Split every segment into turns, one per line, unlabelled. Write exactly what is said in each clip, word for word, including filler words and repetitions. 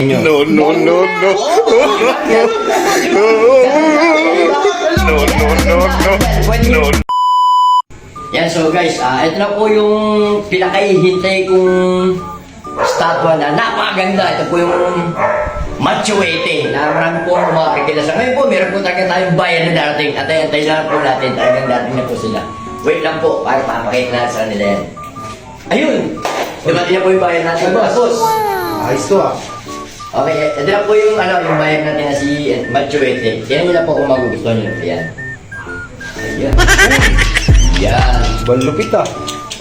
No, no, no, no. No, no, no, no. No.
Yan, so guys, ah ito na po yung pinakahihintay kong statwa na napakaganda. Ito po yung Matsuete na marami po ang makakilala sa ngayon po. Meron po talaga tayong bayan na darating. At antay lang po natin. Talagang darating na po sila. Wait lang po para papakita natin sa kanila yan. Ayun! Dumating na po yung bayan natin. Boss!
Ayos to ah.
Okay, ito na po yung ano, yung bayan natin na si Matsuete. Yan nyo na po kung magugustuhan nyo. Ayan. Ayan. Yan.
Balupit ah.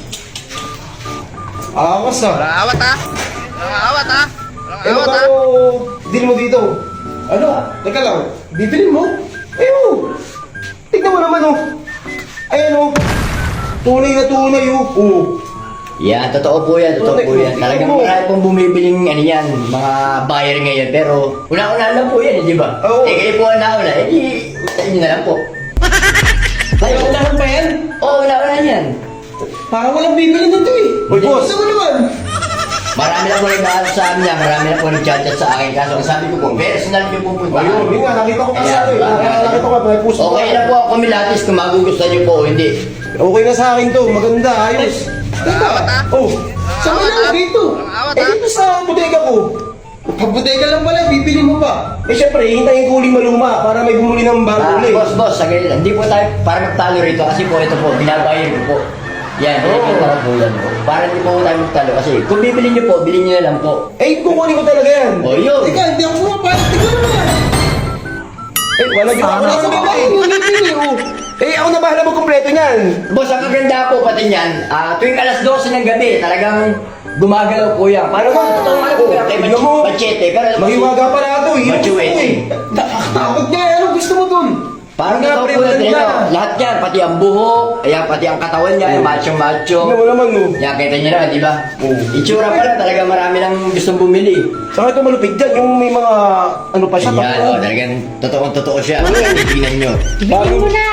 Awas ah.
Walang awat ha? Walang awat ha? Walang
Eh,
awat ha?
magkano deal mo dito? Ano? Teka lang, bibilin mo? Ayun! Tignan mo naman oh. Ayan oh. Tunay na tunay oh. Oh.
Yan, totoo po yan, totoo po yan. Talagang marami pong bumibiling ano yan, mga buyer ngayon. Pero una-una lang po yan, eh, di ba?
Oo.
Eh, kayo po ang nauna, eh di, sa inyo na lang po.
Ay, unahan pa yan?
Oo, una-una yan.
Parang walang bibili nito eh. Uy, boss! Gusto mo naman?
Marami na po nag-aaral sa amin yan, marami na po nag-chat-chat sa akin. Kaso ang sabi ko po, personal nyo po punta.
Ayun, yun nga, nakita ko kasi
Ayan,
ano eh.
ayan.
Nakita ko nga, may puso
Okay na po ako kumilatis kung magugustuhan nyo po o hindi.
Okay na sa akin to, maganda, ayos. Teka,
awat, ah.
oh, saan mo
awat,
lang
ah.
dito?
Walang awat,
Eh,
ah.
dito sa bodega ko. Pag bodega lang pala, bibili mo pa. Eh, syempre, hintayin ko uling maluma para may bumuli ng bago
Ah,
ulit.
boss, boss, sagay lang. Hindi po tayo para magtalo rito kasi po ito po, binabayad ko po. Yan,
Oo.
pinakita ko po yan po. Para hindi po tayo magtalo kasi kung bibili nyo po, bilhin nyo na lang po.
Eh, kukunin ko talaga yan.
O yun.
Teka, hindi ako pumapayag. Tignan mo yan. Eh, wala ginawa ko na sa bibili. Bibili, oh. Eh, ako na bahala magkumpleto niyan.
Boss, ang kaganda po pati niyan, ah, tuwing alas dose ng gabi, talagang gumagalaw po yan. Parang
Ah,
totoo nga po yan kay
tignan mo.
Machete. Pero
Mahiwaga pa na ito. Hirap ko
Matsuete.
eh. Takot niya. Ano gusto mo dun?
Parang
Nga,
totoo
pre,
po yan.
maganda.
ano, Lahat yan, pati ang buhok, ayan, pati ang katawan niya, yung macho-macho.
Tignan mo naman, no.
Yan, kita nyo na, di ba?
Oo.
Itsura pa lang, talaga marami nang gustong bumili.
Saka ito malupit dyan. Yung may mga, ano pa siya.
Yan, oh, talagang totoong-totoo siya. Tingnan nyo.
Bilhin mo na.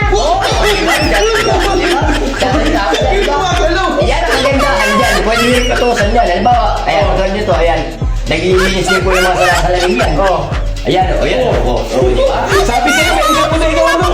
Yan ang kagandahan dyan. Pwede nyo rin katusan yan. Halimbawa, ayan, katulad nyo to, ayan. Naglilinis din po yung mga salasalamin yan.
Oh.
Ayan, o, ayan, o, o, o, di ba?
Sabi sa'yo, may isang bodega ano.